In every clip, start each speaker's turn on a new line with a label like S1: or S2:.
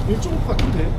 S1: 1.5 같은데?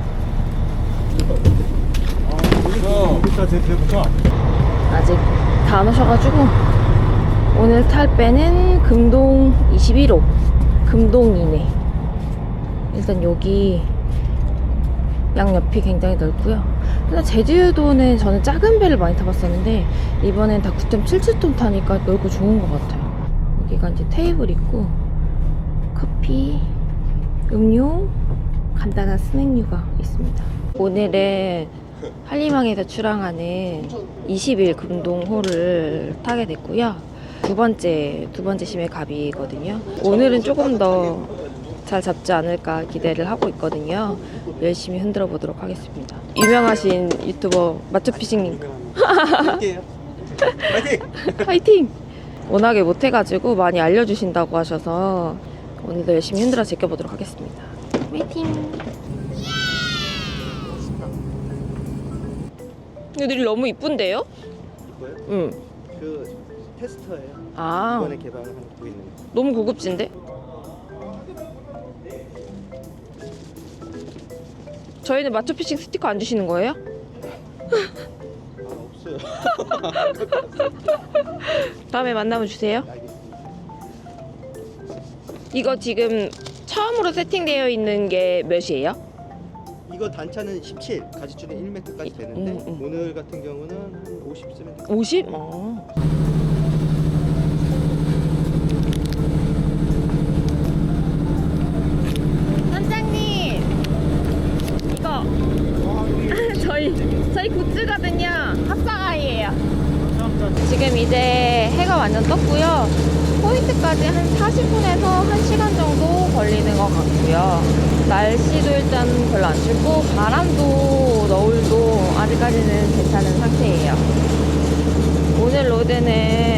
S1: 여기다 대부터
S2: 아직 다 안 오셔가지고 오늘 탈 배는 금동 21호 금동이네. 일단 여기 양옆이 굉장히 넓고요. 일단 제주도는 저는 작은 배를 많이 타봤었는데 이번엔 다 9.77톤 타니까 넓고 좋은 것 같아요. 여기가 이제 테이블 있고 커피, 음료, 간단한 스낵류가 있습니다. 오늘은 한림항에서 출항하는 20일 금동호를 타게 됐고요. 두 번째 심해 갑이거든요. 오늘은 조금 더 잘 잡지 않을까 기대를 하고 있거든요. 열심히 흔들어 보도록 하겠습니다. 유명하신 유튜버 마초피싱님
S1: 파이팅!
S2: 파이팅! 워낙에 못해가지고 많이 알려주신다고 하셔서 오늘도 열심히 흔들어 제껴보도록 하겠습니다. 파이팅! 애들이 너무 이쁜데요?
S1: 이거요?
S2: 응.
S1: 그 테스터예요.
S2: 아,
S1: 이번에 개발하고 있는 거.
S2: 너무 고급진데? 저희는 마초피싱 스티커 안 주시는 거예요?
S1: 없어요.
S2: 다음에 만나면 주세요.
S1: 알겠습니다.
S2: 이거 지금 처음으로 세팅되어 있는 게 몇이에요?
S1: 이거 단차는 17, 가지줄은 1m까지 되는데 오늘 같은 경우는 한 50 쓰면 돼요.
S2: 50? 선장님, 이거 저희 굿즈거든요. 합사가이예요. 지금 이제 해가 완전 떴고요. 포인트까지 한 40분에서 1시간 정도 걸리는 것 같고요. 날씨도 일단 별로 안 춥고 바람도 너울도 아직까지는 괜찮은 상태예요. 오늘 로드는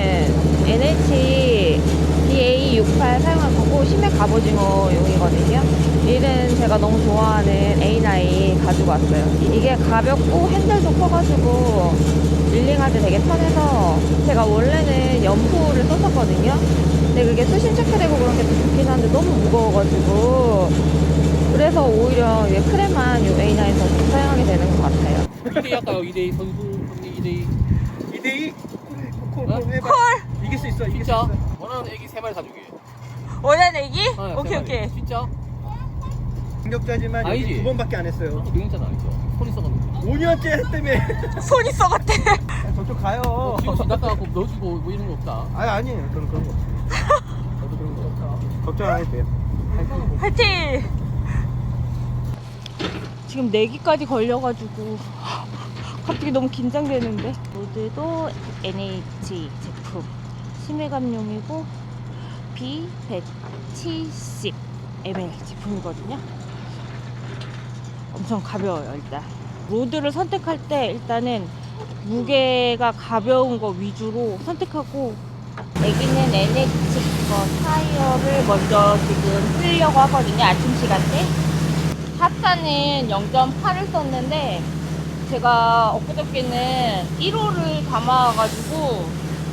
S2: NH DA68 사용할 거고 심해 갑오징어용이거든요. 얘는 제가 너무 좋아하는 A9 가지고 왔어요. 이게 가볍고 핸들도 커가지고 릴링할 때 되게 편해서 제가 원래는 연포를 썼었거든요. 근데 그게 수심 체크되고 그런 게 좋긴 한데 너무 무거워가지고 그래서 오히려 이 크레만 이 A9에서 사용하게 되는 것 같아요.
S3: 2대2 할까요? 2대2 선수 2대2
S1: 2대2? 콜 해봐.
S2: 콜!
S1: 이길 수 있어. 이길 수
S3: 진짜?
S1: 있어.
S3: 원하는 애기 3마리 사주게.
S2: 원하는 애기?
S3: 네,
S2: 오케이
S3: 3마리.
S2: 오케이.
S3: 진짜?
S1: 공격자지만
S3: 아니지.
S1: 여기 2번밖에 안 했어요.
S3: 경영자는 아니죠. 손이 썩었는데.
S1: 5년째 했다며.
S2: 손이 썩었대.
S1: 저쪽 가요.
S3: 지금 낚아갖고 넣어주고 뭐 이런 거 없다.
S1: 아니에요. 저는 그런 거 없어요.
S3: 저도 그런 거 없다.
S1: 걱정 안 해도 돼요.
S2: 화이팅! 지금 내기까지 걸려가지고 갑자기 너무 긴장되는데. 로드도 NH 제품 심해감용이고 B170ml 제품이거든요. 엄청 가벼워요. 일단 로드를 선택할 때 일단은 무게가 가벼운 거 위주로 선택하고, 애기는 NH 거 타이어를 먼저 지금 쓰려고 하거든요. 아침 시간대. 합사는 0.8을 썼는데 제가 엊그저께는 1호를 담아가지고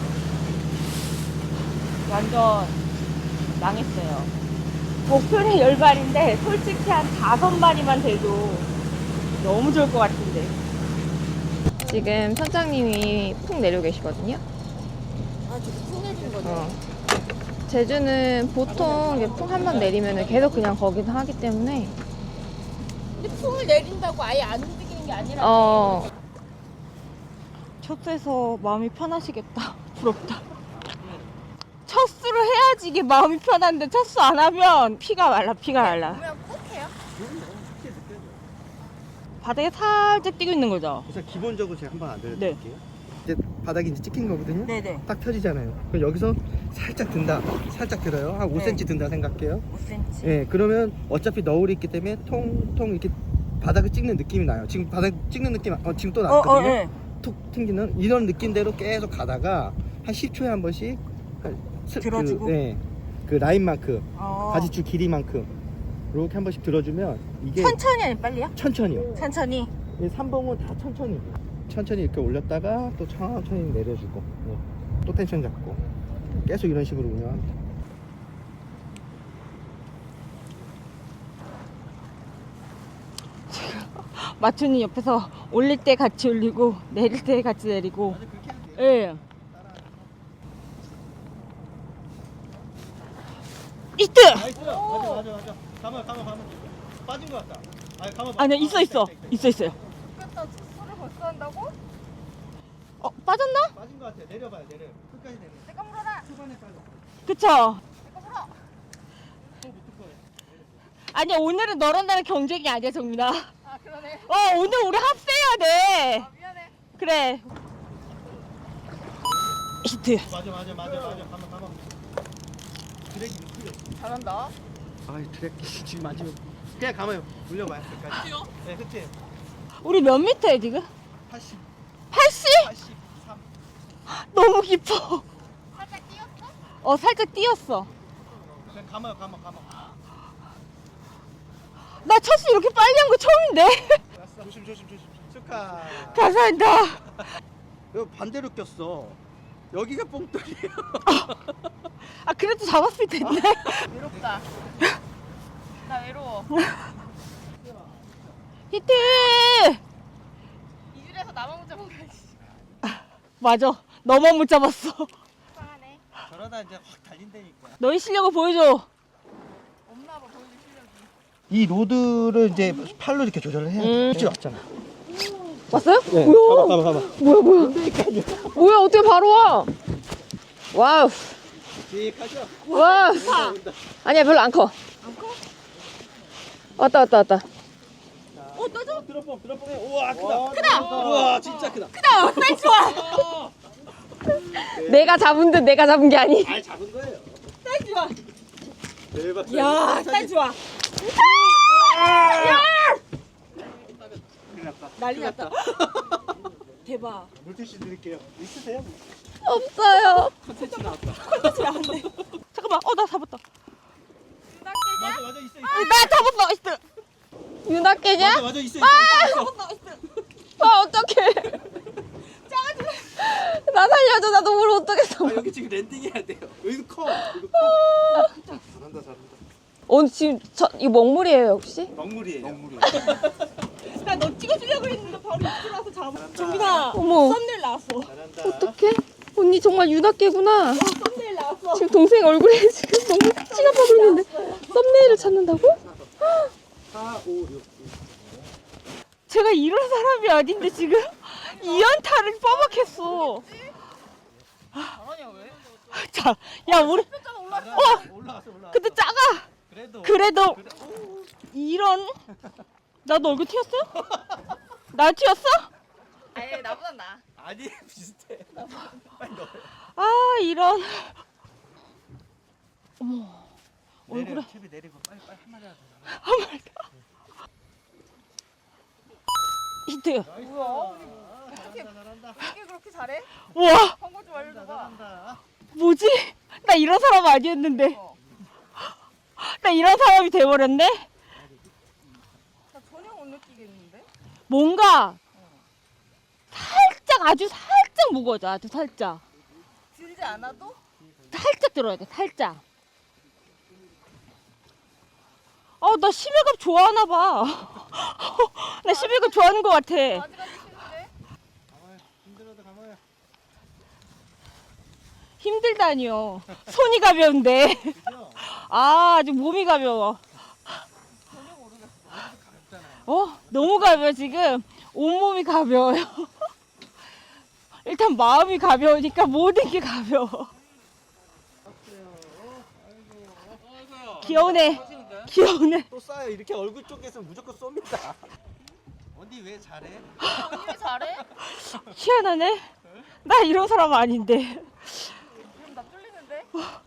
S2: 완전 망했어요. 목표는 10마리인데 솔직히 한 5마리만 돼도 너무 좋을 것 같은데. 지금 선장님이 푹 내려 계시거든요.
S4: 아, 저기 푹 내리는 거죠?
S2: 제주는 보통 풍 한 번 내리면 계속 그냥 거기서 하기 때문에
S4: 근데 풍을 내린다고 아예 안 움직이는 게 아니라.
S2: 첫수에서 마음이 편하시겠다. 부럽다. 첫수를 해야지 이게 마음이 편한데 첫수 안 하면 피가 말라.
S4: 그러면 꼭 해요?
S2: 바닥에 살짝 뛰고 있는 거죠?
S1: 우선 기본적으로 제가 한번 알려드릴게요. 이제 바닥이 이제 찍힌 거거든요.
S2: 네네.
S1: 딱 펴지잖아요. 그럼 여기서 살짝 든다. 살짝 들어요. 한 5cm 든다 생각해요.
S2: 5cm.
S1: 예, 그러면 어차피 너울이 있기 때문에 통통 이렇게 바닥을 찍는 느낌이 나요. 지금 바닥 찍는 느낌, 지금 또 났거든요.
S2: 네.
S1: 툭 튕기는 이런 느낌대로 계속 가다가 한 10초에 한 번씩
S2: 들어주고?
S1: 그 라인만큼,
S2: 어.
S1: 가지줄 길이만큼 이렇게 한 번씩 들어주면 이게
S2: 천천히 아니 빨리요?
S1: 천천히요.
S2: 천천히.
S1: 이 3봉은 다 천천히 이렇게 올렸다가 또 천천히 내려주고 또 텐션 잡고 계속 이런 식으로 운영합니다.
S2: 마초님 옆에서 올릴 때 같이 올리고 내릴 때 같이 내리고.
S1: 아니 그렇게 해도 돼요.
S2: 예. 이트!
S1: 나이스. 맞아. 가만. 빠진 것 같다. 아니 가만.
S2: 아니야, 있어요.
S4: 그랬다 수술을 벌써 한다고?
S2: 빠졌나?
S1: 빠진 것 같아. 내려봐요. 끝까지 내려.
S4: 내가 물어라.
S1: 초반에 빠져.
S2: 그쵸?
S4: 내가 물어.
S1: 또 붙을 거예요.
S2: 아니야, 오늘은 너랑 나랑 경쟁이 아니야, 정민아.
S4: 아 그러네.
S2: 오늘 우리 합세해야 돼.
S4: 아 미안해.
S2: 그래. 히트.
S1: 맞아. 가만. 드랙이 크게.
S4: 잘한다.
S1: 아이 드랙 지금 맞으면 그냥 가만요. 올려봐요. 끝까지. 네, 그치.
S2: 우리 몇 미터야, 지금?
S1: 80,
S2: 80?
S1: 83.
S2: 너무 깊어.
S4: 살짝 뛰었어?
S2: 살짝 뛰었어.
S1: 그냥 가만요.
S2: 나 첫수 이렇게 빨리 한 거 처음인데?
S1: 조심. 축하.
S2: 감사합니다.
S1: 이거 반대로 꼈어. 여기가 뽕돌이에요.
S2: 그래도 잡았을 텐데.
S4: 외롭다. 나 외로워.
S2: 히트!
S4: 이줄에서 나만 못 잡아가야지.
S2: 맞아. 너만 못 잡았어.
S4: 속상하네.
S1: 저러다 이제 확 달린다니까.
S2: 너의 실력을 보여줘.
S4: 없나 봐 보여줄 실력이.
S1: 이 로드를 이제 팔로 이렇게 조절을 해야 돼. 그치 왔잖아.
S2: 왔어요?
S1: 네.
S2: 뭐야?
S1: 가봐.
S2: 뭐야, 어떻게 바로 와? 와우.
S1: 직하죠?
S2: 와. 아니야, 별로 안 커. 안 커? 왔다.
S1: 떠줘? 드롭봉 해. 우와, 크다. 우와, 진짜 크다.
S2: 사이즈 좋아. 내가 잡은 듯 내가 잡은 게 아니.
S1: 잘 잡은 거예요.
S2: 사이즈 좋아.
S1: 대박.
S2: 야, 사이즈 좋아. 난리 났다. 대박.
S1: 물티슈 드릴게요. 있으세요?
S2: 없어요.
S3: 컨텐츠 나왔다.
S2: 잠깐만. 나 잡았다.
S1: 맞아, 있어.
S2: 나 잡았어. 있어. 윤학계냐?
S1: 맞아, 있어.
S2: 어떡해. 나 살려줘. 나도 물 어떡했어.
S1: 여기 지금 랜딩해야 돼요. 여기도 커. 잘한다.
S2: 오늘 지금 이거 먹물이에요, 혹시?
S1: 먹물이에요.
S2: 나 너 찍어주려고 했는데 바로 입술라서 잡아.
S1: 잘한다.
S2: 정민아. 어머. 썸네일 나왔어.
S1: 잘한다.
S2: 어떡해? 언니 정말 윤학계구나.
S4: 썸네일 나왔어.
S2: 지금 동생 얼굴에 지금 너무 피가 빠고 있는데 썸네일을 찾는다고?
S1: 4, 5, 6.
S2: 제가 이런 사람이 아닌데 지금 이연타를 뻐박했어.
S4: 잘하냐 왜?
S2: 자, 야 우리
S1: 올라갔어.
S2: 근데 작아. 그래도 이런 나도 얼굴 튀었어? 나 튀었어?
S4: 아예 나보다 나.
S1: 아니, 비슷해. 빨리 넣어.
S2: 이런. 어머. 얼굴에
S1: 캡이 내리고 빨리 한 마리 하자.
S2: 한 마리. 히트.
S1: 잘한다.
S4: 어떻게 그렇게 잘해?
S2: 우와.
S4: 광고 좀 알려줘봐.
S1: 잘한다.
S2: 뭐지? 나 이런 사람 아니었는데. 나 이런 사람이 돼버렸네?
S4: 나 전혀 못 느끼겠는데?
S2: 뭔가 살짝 아주 살짝 무거워져. 아주 살짝.
S4: 들지 않아도?
S2: 살짝 들어야 돼. 살짝. 나 심해갑 좋아하나 봐. 나 심해갑 좋아하는 것 같아.
S4: 아직까지 싫은데?
S1: 가만히 힘들어도 가만히.
S2: 힘들다니요. 손이 가벼운데.
S1: 그죠?
S2: 아주 몸이 가벼워. 너무 가벼워 지금. 온몸이 가벼워요. 일단 마음이 가벼우니까 모든 게 가벼워. 귀여우네.
S1: 또 쏴요. 이렇게 얼굴 쪽에서 무조건 쏩니다. 언니 왜 잘해?
S4: 언니 왜 잘해?
S2: 희한하네. 나 이런 사람 아닌데.
S4: 그럼 나 뚫리는데?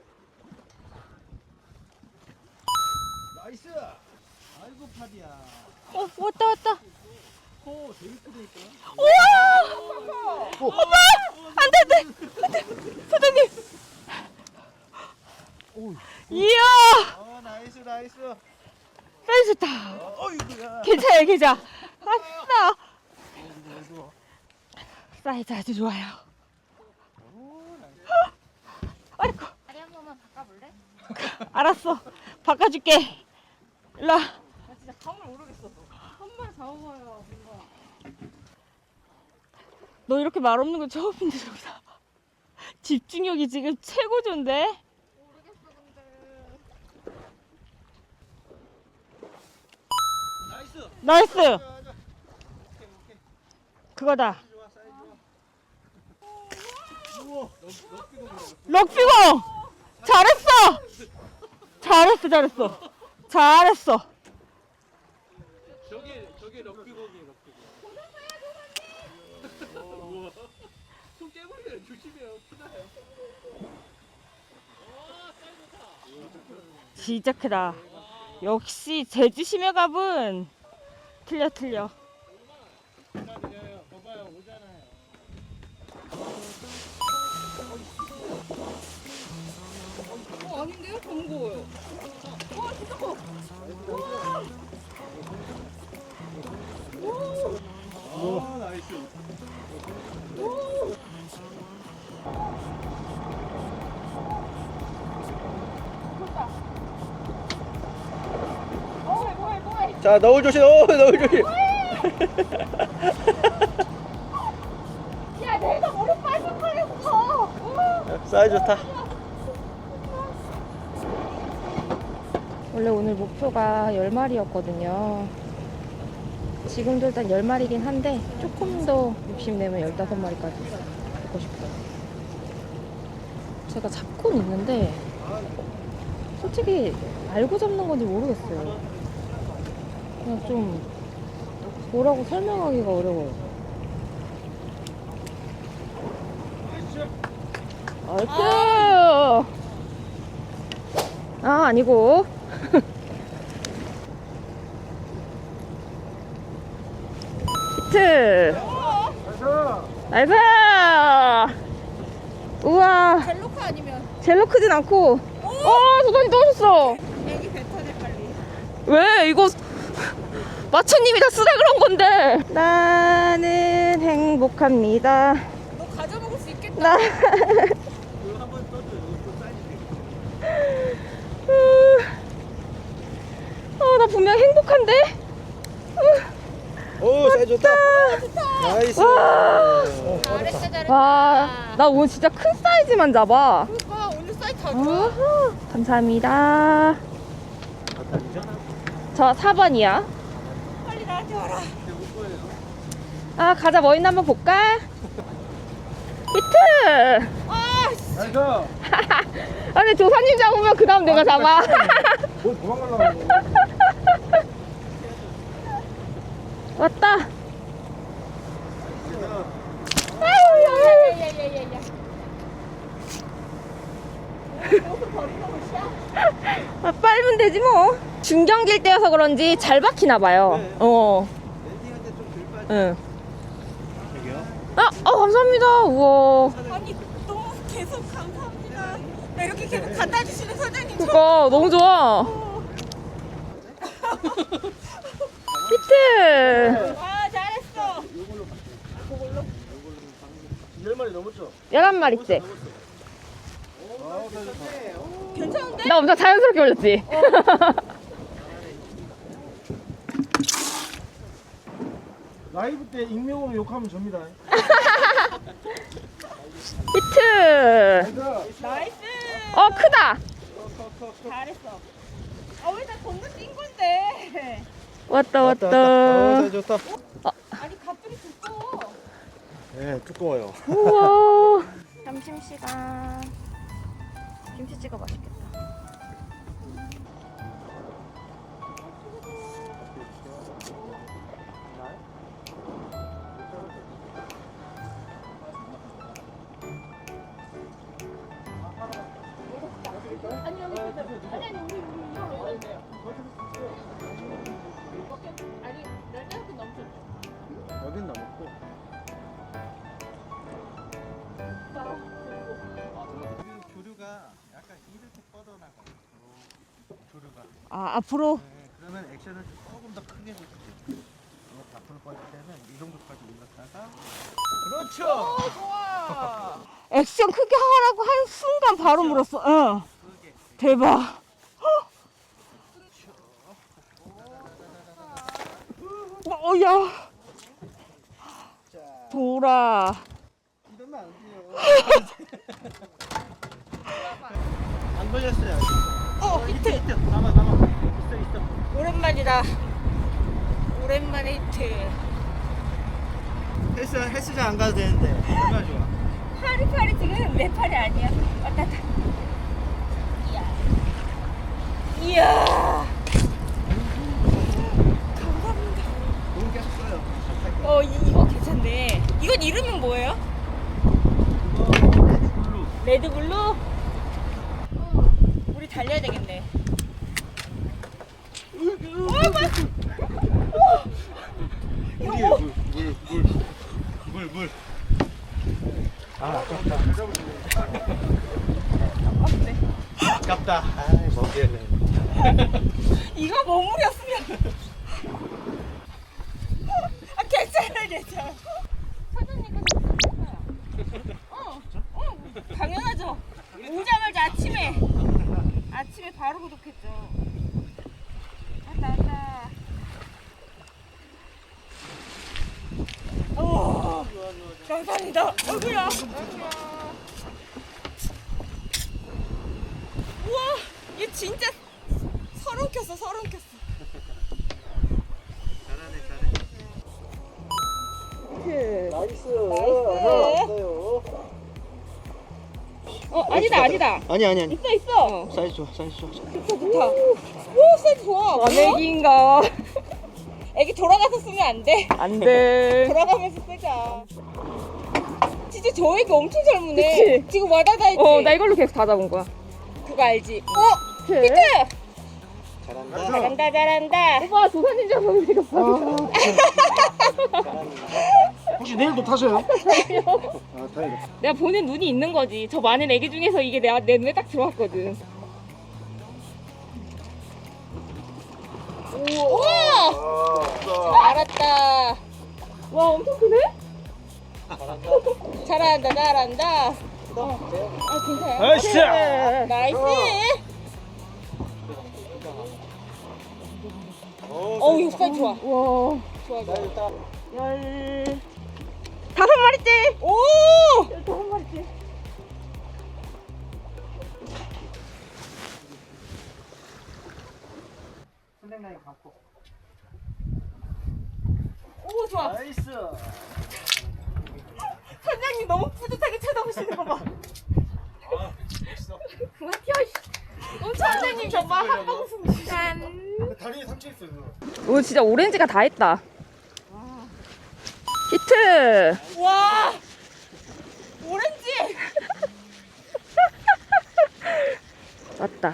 S1: 나이스. 아이고 파디야.
S2: 왔다.
S1: 코 되게 크다니까.
S2: 우와! 엄마! 안 돼. 사장님. 이야!
S1: 나이스.
S2: 사이즈 좋다.
S1: 어이구야.
S2: 괜찮아. 아싸. 사이즈 아주 좋아요. 아이고.
S4: 다리 한 번만 바꿔볼래?
S2: 알았어. 바꿔줄게. 일로 와.
S4: 나 진짜 감을 모르겠어. 한 번 잡아봐요. 뭔가.
S5: 너 이렇게 말 없는 거 처음인데 저기다. 집중력이 지금 최고조인데? 나이스! 그거다. 럭비공! 잘했어! 잘했어.
S3: 저게 럭비공이에요, 럭비공. 손 깨버려요. 조심해요. 크다요.
S5: 진짜 크다. 역시 제주 심해갑은 틀려.
S4: 아닌데요? 더 무거워요. 와 진짜 커.
S1: 자, 너울 조심. 너울 조심.
S4: 야 내가 머리 빠질 뻔했어.
S1: 사이즈 좋다.
S2: 원래 오늘 목표가 10마리였거든요. 지금도 일단 10마리긴 한데 조금 더 욕심내면 15마리까지 잡고 싶어요. 제가 잡고는 있는데 솔직히 알고 잡는 건지 모르겠어요. 그냥 좀 뭐라고 설명하기가 어려워요. 나이스! 아, 아니고. 히트! 나이스! 우와,
S4: 젤로카 아니면
S2: 젤로 크진 않고. 도전이 떨어졌어.
S4: 애기 뱉어내 빨리.
S2: 왜? 이거 마초님이 다 쓰라 그런 건데. 나는 행복합니다.
S4: 너 가져 먹을 수 있겠다.
S2: 나. 나 분명 행복한데?
S1: 오, 사이즈 좋다. 나이스.
S4: 잘했다.
S2: 와, 나 오늘 진짜 큰 사이즈만 잡아.
S4: 그러니까 오늘 사이즈 다 좋아.
S2: 우후, 감사합니다. 저 4번이야.
S4: 빨리 나한테 와라.
S2: 아, 가자. 뭐 있나 한번 볼까? 히트!
S1: 나이스.
S2: 아니, 조사님 잡으면 그 다음 내가 잡아.
S1: 뭐 도망가려고.
S2: 왔다.
S4: 야야야야야.
S2: 아, 빨면 되지 뭐. 중경기일 때여서 그런지 잘 박히나 봐요.
S1: 네. 랜딩할 때 좀 덜 빠져.
S2: 응.
S1: 여기요?
S2: 감사합니다. 우와.
S4: 아니 너무 계속 감사합니다. 나 이렇게 계속 갖다 주시는 사장님
S2: 그니까 너무 좋아. 히트.
S4: 아 잘했어.
S1: 10마리 넘었죠?
S2: 11마리째.
S4: 괜찮은데?
S2: 나 엄청 자연스럽게 올렸지?
S1: 라이브 때 익명으로 욕하면 접니다.
S2: 히트.
S4: 나이스.
S2: 크다.
S4: 잘했어. 왜 나 건너 뛴 건데?
S2: 왔다.
S1: 사이즈 좋다.
S4: 아니 갑자기 두꺼워.
S1: 네, 두꺼워요.
S2: 우와. 점심시간. 김치찌개 맛있겠다.
S4: 아니 우리 아니 널널하게 넘쳤죠.
S1: 여긴 넘었고. 조류가 약간 이렇게 뻗어나가요. 조류가.
S5: 앞으로.
S1: 네, 그러면 액션을 조금 더 크게 해주세요. 앞으로 뻗을 때는 이 정도까지 올랐다가. 그렇죠.
S4: 좋아.
S5: 액션 크게 하라고 한 순간 바로 물었어. 응. 대박. 야.
S1: 자.
S5: 돌아.
S1: 이러면 안 돼요. 안 걸렸어요.
S5: 히트.
S1: 히트. 남아. 있어.
S5: 오랜만이다. 오랜만에 히트.
S1: 헬스장 안 가도 되는데 얼마나 좋아.
S5: 팔이 지금 내 팔이 아니야. 왔다 갔다. 이야. 감사합니다.
S1: 너무 계속 써요.
S5: 이거 괜찮네. 이건 이름은 뭐예요? 레드블루? 우리 달려야 되겠네.
S1: 물. 아, 아깝다. 아이, 먹기에는.
S5: 이거 머무렸으면. 괜찮아. 사장님께서 당연하죠. 오자마자 아침에 바로 구독했죠. 왔다. 오, 감사합니다. 어구야. 우와, 얘 진짜 서른 켰어.
S1: 잘하네. 나이스.
S5: 아니다.
S1: 아니.
S5: 있어.
S1: 사이즈 좋아.
S5: 좋다. 오, 사이즈 좋아.
S2: 와내기인가?
S5: 애기 돌아가서 쓰면 안 돼.
S2: 안 돼.
S5: 돌아가면서 쓰자. 진짜 저 애기 엄청 잘 무네.
S2: 그치?
S5: 지금 와다다 했지?
S2: 나 이걸로 계속 다 잡은 거야.
S5: 그거 알지?
S2: 히트!
S5: 히트!
S1: 잘한다.
S5: 잘한다.
S2: 오빠 조사님 잡으면 되겠어.
S1: 혹시 내일도 타세요? 아, 다행이다.
S2: 내가 보는 눈이 있는 거지. 저 많은 애기 중에서 이게 내 눈에 딱 들어왔거든.
S5: 우와! 알았다.
S2: 와 엄청 크네?
S5: 잘한다. 괜찮아요.
S1: 나이스!
S5: 나이스. 이거 사이즈 좋아.
S2: 와.
S5: 좋아.
S2: 15마리째.
S5: 오!
S2: 15마리째.
S1: 선생님 감고.
S5: 오, 좋아.
S1: 나이스.
S5: 선장님 너무 뿌듯하게 쳐다보시는 거 봐. 그만 튀어. 선장님 정말 한 방송 짠.
S1: 다리에 상처 있어요.
S2: 오 진짜 오렌지가 다 했다. 히트.
S5: 와. 오렌지.
S2: 맞다.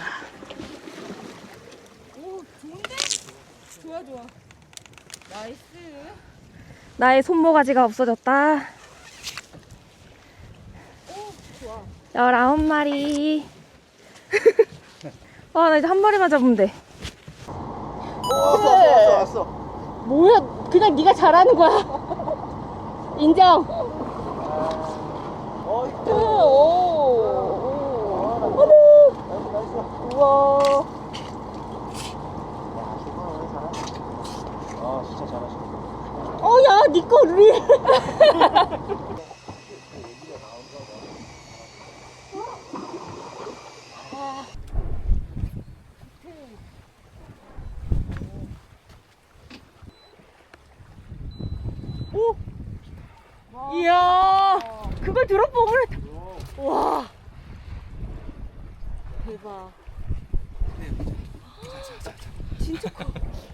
S5: 오, 좋은데? 좋아. 나이스.
S2: 나의 손모가지가 없어졌다.
S5: 오, 좋아.
S2: 19마리. 나 이제 한 마리만 잡으면 돼.
S1: 왔어.
S2: 뭐야? 그냥 네가 잘하는 거야. 인정.
S1: 히트.
S2: 우와.
S1: 아, 진짜 잘하시네.
S2: 야, 니 거 우리. 이야, 그걸 드롭봉을 했다. 와. 대박. 진짜 커.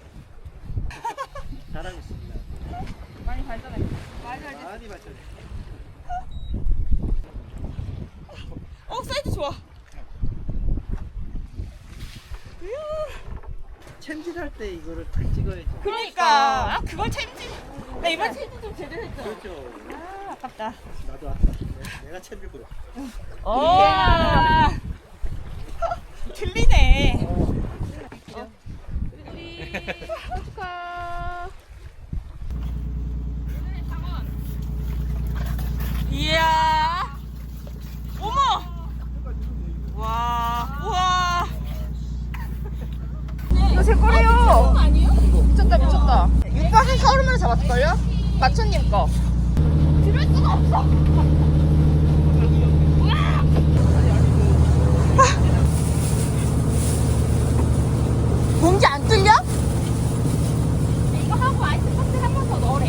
S1: 잘하고 있습니다.
S5: 많이 발전했어.
S1: 많이 발전해.
S5: 사이즈 좋아.
S1: 챔질할 때 이거를 딱 찍어야지.
S5: 그러니까. 그걸 챔질. 나 이번 챔질 좀 제대로 했죠.
S1: 그렇죠.
S5: 아깝다.
S1: 나도 왔다. 내가 챔질 보여.
S5: 들리네.
S2: 축하.
S5: 이야. 어머. 우와.
S2: 이거 제 거래요.
S5: 아니에요?
S2: 미쳤다. 6박 한 30마리 잡았을걸요? 마초님 거.
S4: 봉지 안 뚫려? 이거 하고 아이스박스 한 번 더 넣으래.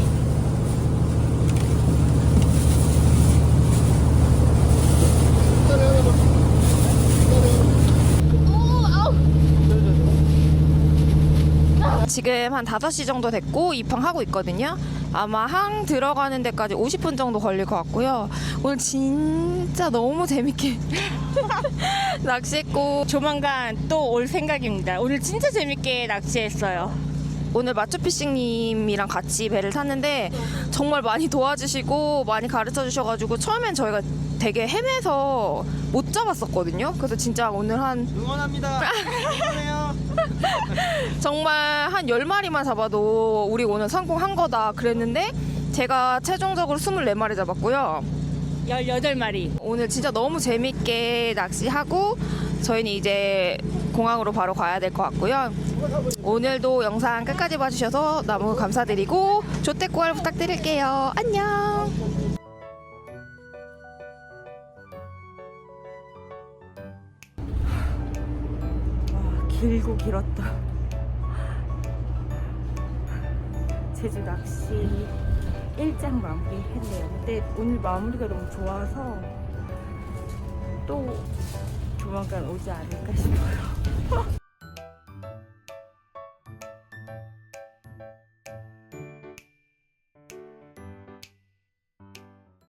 S2: 지금 한 5시 정도 됐고 입항하고 있거든요. 아마 항 들어가는 데까지 50분 정도 걸릴 것 같고요. 오늘 진짜 너무 재밌게 낚시했고
S5: 조만간 또 올 생각입니다. 오늘 진짜 재밌게 낚시했어요.
S2: 오늘 마초피싱님이랑 같이 배를 탔는데 정말 많이 도와주시고 많이 가르쳐 주셔가지고 처음엔 저희가 되게 헤매서 못 잡았었거든요. 그래서 진짜 오늘 한
S1: 응원합니다. 응원해요.
S2: 정말 한 10마리만 잡아도 우리 오늘 성공한 거다 그랬는데 제가 최종적으로 24마리 잡았고요.
S5: 18마리.
S2: 오늘 진짜 너무 재밌게 낚시하고 저희는 이제 공항으로 바로 가야 될 것 같고요. 오늘도 영상 끝까지 봐주셔서 너무 감사드리고 조태꾸알 부탁드릴게요. 안녕.
S5: 와, 길고 길었다. 제주 낚시 1장 마무리했네요. 근데 오늘 마무리가 너무 좋아서 또 조만간 오지 않을까 싶어요.